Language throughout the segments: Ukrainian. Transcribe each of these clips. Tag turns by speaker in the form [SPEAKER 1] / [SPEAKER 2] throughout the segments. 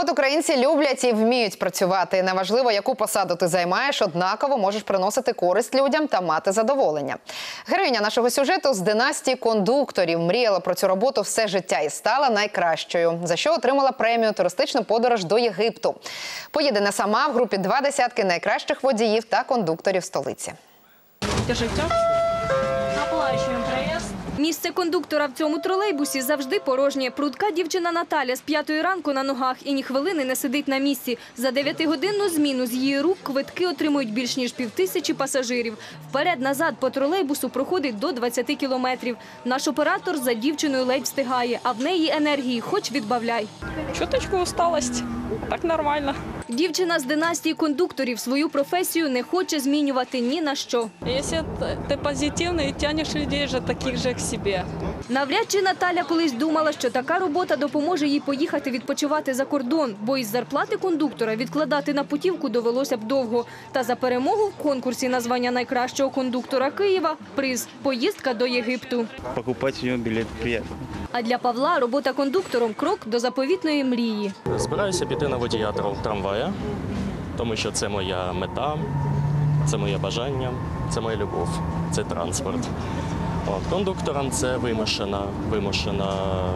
[SPEAKER 1] От українці люблять і вміють працювати. Неважливо, яку посаду ти займаєш, однаково можеш приносити користь людям та мати задоволення. Героїня нашого сюжету з династії кондукторів мріяла про цю роботу все життя і стала найкращою, за що отримала премію «Туристичну подорож до Єгипту». Поїде не сама, в групі 20 найкращих водіїв та кондукторів столиці.
[SPEAKER 2] Держите. Оплачуємо проїзд.
[SPEAKER 3] Місце кондуктора в цьому тролейбусі завжди порожнє. Прудка дівчина Наталя з 5-ї ранку на ногах і ні хвилини не сидить на місці. За 9-годинну зміну з її рук квитки отримують більш ніж 5000 пасажирів. Вперед-назад по тролейбусу проходить до 20 кілометрів. Наш оператор за дівчиною ледь встигає, а в неї енергії хоч відбавляй.
[SPEAKER 2] Чуточку усталость. Так нормально.
[SPEAKER 3] Дівчина з династії кондукторів свою професію не хоче змінювати ні на що.
[SPEAKER 2] Якщо ти позитивний, тягнеш людей же таких же к себе.
[SPEAKER 3] Навряд чи Наталя колись думала, що така робота допоможе їй поїхати відпочивати за кордон, бо із зарплати кондуктора відкладати на путівку довелося б довго. Та за перемогу в конкурсі на звання найкращого кондуктора Києва – приз – поїздка до Єгипту.
[SPEAKER 4] Покупати у нього білет приємно.
[SPEAKER 3] А для Павла робота кондуктором – крок до заповітної мрії.
[SPEAKER 5] Збираюся піти на водія трамвая, тому що це моя мета, це моє бажання, це моя любов, це транспорт. Кондуктором це вимушена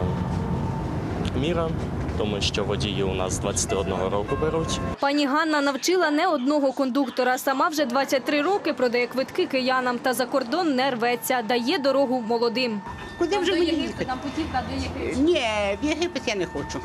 [SPEAKER 5] міра, тому що водії у нас з 21 року беруть.
[SPEAKER 3] Пані Ганна навчила не одного кондуктора. Сама вже 23 роки продає квитки киянам та за кордон не рветься, дає дорогу молодим.
[SPEAKER 6] Куди вже мені їхати?
[SPEAKER 3] Там путівка до Єгипту.
[SPEAKER 6] Ні, в Єгипет я не хочу.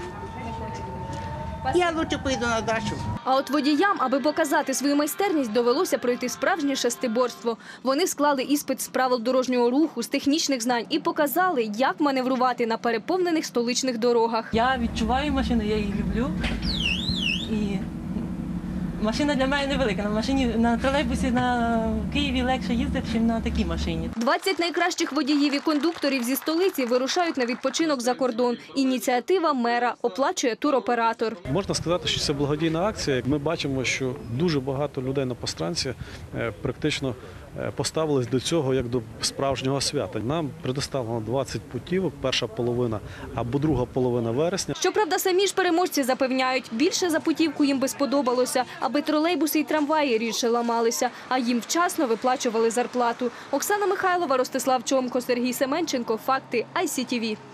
[SPEAKER 6] Я краще поїду на дачу.
[SPEAKER 3] А от водіям, аби показати свою майстерність, довелося пройти справжнє шестиборство. Вони склали іспит з правил дорожнього руху, з технічних знань і показали, як маневрувати на переповнених столичних дорогах.
[SPEAKER 7] Я відчуваю машину, я її люблю. І машина для мене невелика. На тролейбусі на Києві легше їздити, ніж на такій машині.
[SPEAKER 3] 20 найкращих водіїв і кондукторів зі столиці вирушають на відпочинок за кордон. Ініціатива мера, оплачує туроператор.
[SPEAKER 8] Можна сказати, що це благодійна акція. Ми бачимо, що дуже багато людей на Постранці практично поставились до цього як до справжнього свята. Нам предоставлено 20 путівок, перша половина або друга половина вересня.
[SPEAKER 3] Щоправда, самі ж переможці запевняють, більше за путівку їм би сподобалося, аби тролейбуси і трамваї рідше ламалися, а їм вчасно виплачували зарплату. Оксана Михайлова, Ростислав Чомко, Сергій Семенченко. Факти ICTV.